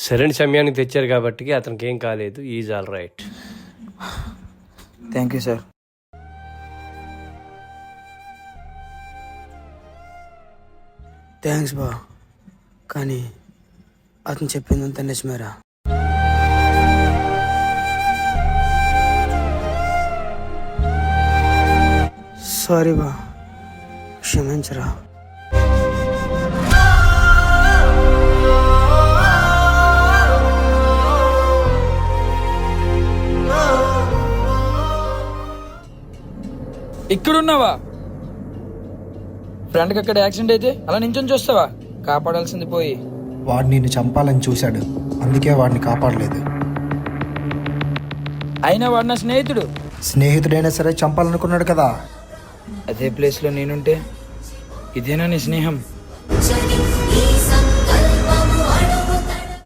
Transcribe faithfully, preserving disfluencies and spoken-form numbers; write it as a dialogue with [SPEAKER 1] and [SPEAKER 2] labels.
[SPEAKER 1] సరైన సమయానికి తెచ్చారు కాబట్టి అతనికి ఏం కాలేదు. Is all right.
[SPEAKER 2] Thank you sir.
[SPEAKER 3] Thanks బా, కానీ అతను చెప్పిందంతా నిజమేరా. సారీ బా, క్షమించరా.
[SPEAKER 2] ఇక్కడున్నావా? ఫ్రెండ్కి అక్కడ యాక్సిడెంట్ అయితే అలా నించొని చూస్తావా? కాపాడాల్సింది పోయి.
[SPEAKER 4] వాడు నిన్ను చంపాలని చూశాడు, అందుకే వాడిని కాపాడలేదు.
[SPEAKER 2] అయినా వాడు నా స్నేహితుడు.
[SPEAKER 4] స్నేహితుడైనా సరే చంపాలనుకున్నాడు కదా.
[SPEAKER 2] అదే ప్లేస్లో నేనుంటే ఇదేనా నీ స్నేహం?